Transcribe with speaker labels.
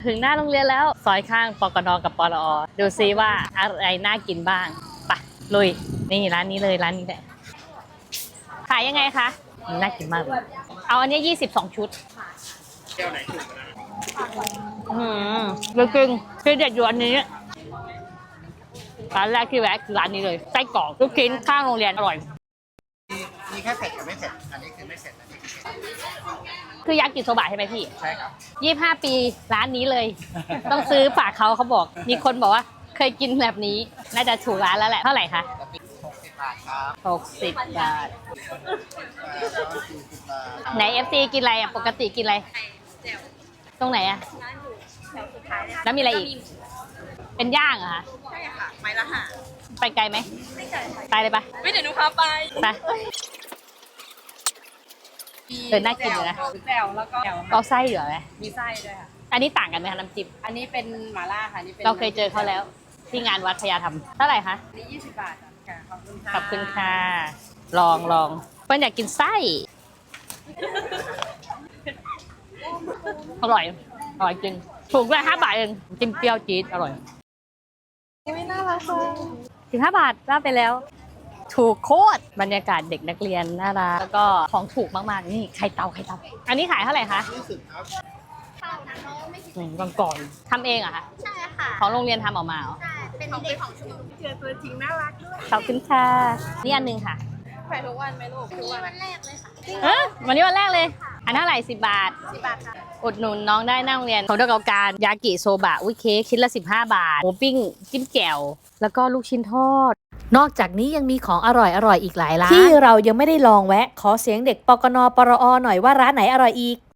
Speaker 1: ถึงหน้าโรงเรียนแล้วซอยข้างปกนกับปรอดูซิว่าอะไรน่ากินบ้างไปลุยนี่ร้านนี้เลยร้านนี้แหละขายยังไงคะน่ากินมากเลยเอาอันนี้22ชุดแก้วไหนถูกนะจริงๆคือเด็ดอยู่อันนี้ร้านแรกที่แวะคือร้านนี้เลยไส้กรอกลูกชิ้นข้างโรงเรียนอร่อย
Speaker 2: มีแค่เผ็ดกับไม่เผ็ดอันนี้คือไม่เผ็ดอันนี้คือเผ็ด
Speaker 1: คือยากิโซบะใช่ไหมพี่
Speaker 2: ใช่ครับ
Speaker 1: 25 ปีร้านนี้เลย ต้องซื้อฝากเขาบอกมีคนบอกว่าเคยกินแบบนี้น่าจะถูกร้านแล้วแหละเท่าไหร่คะ
Speaker 2: 60 บาทครับ
Speaker 1: 60 บาท
Speaker 2: 40 บาท
Speaker 1: ไหน FC กินอะไรอ่ะปกติกินอะไรตรงไหนอ่ะแล้วมีอะไรอีกเป็นย่างเหรอคะ
Speaker 3: ใช่ค่ะไม้ละห้า
Speaker 1: ไปไกลไหม
Speaker 3: ไม่ไกล
Speaker 1: ไปเลยปะ
Speaker 3: ไม่เดี๋ยวหนูพาไป
Speaker 1: น่ากินเลยนะ
Speaker 3: แจ่วแล้วก็
Speaker 1: เอาไส้เหลือไหม
Speaker 3: มีไส้ด้วยค่ะ
Speaker 1: อันนี้ต่างกันไหมคะน้ำจิ้ม
Speaker 3: อันนี้เป็นหม่าล่าค่ะนี่เป็น
Speaker 1: เราเคยเจอเขาแล้วที่งานวัดพญาธรรมเท่าไหร่คะ
Speaker 3: อันนี้20 บาทค่ะขอบคุณค่ะ
Speaker 1: ขอบคุณค่ะลองเปิ้ลอยากกินไส้อร่อยจริงถูกด้วย5 บาทเองจิ้มเปรี้ยวจี๊ดอร่อย
Speaker 3: ไม่น่ารักเลย
Speaker 1: 15 บาทว่าไปแล้วถูกโคตรบรรยากาศเด็กนักเรียนน่ารักแล้วก็ของถูกมากๆนี่ไข่เตาอันนี้ขายเท่าไหร่คะ
Speaker 2: 20ครับ
Speaker 1: ก่อนทำเองเหรอคะ
Speaker 4: ใช่ค่ะ
Speaker 1: ของโรงเรียนทำออกมาเหรอ
Speaker 4: ใช่เป็นเด็กของชุม
Speaker 3: เจอตัวจริงน่ารักด้วย
Speaker 1: ขอบคุณค่ะนี่อันนึงค่ะ
Speaker 3: ไปทุกวันไหมลูกทุก
Speaker 4: วันแรกเลยค่ะ
Speaker 1: วันนี้วันแรกเลยอันเท่าไหร่10 บาท
Speaker 4: 10 บาทค่ะ
Speaker 1: อุดหนุนน้องได้หน้าโรงเรียนของเดกการยากิโซบะอุ้ยเค้กชิ้นละ15 บาทหมูปิ้งจิ้มแจ่วแล้วก็ลูกชิ้นทอด
Speaker 5: นอกจากนี้ยังมีของอร่อยอีกหลายร้านที่เรายังไม่ได้ลองแวะขอเสียงเด็กปกนปรอหน่อยว่าร้านไหนอร่อยอีก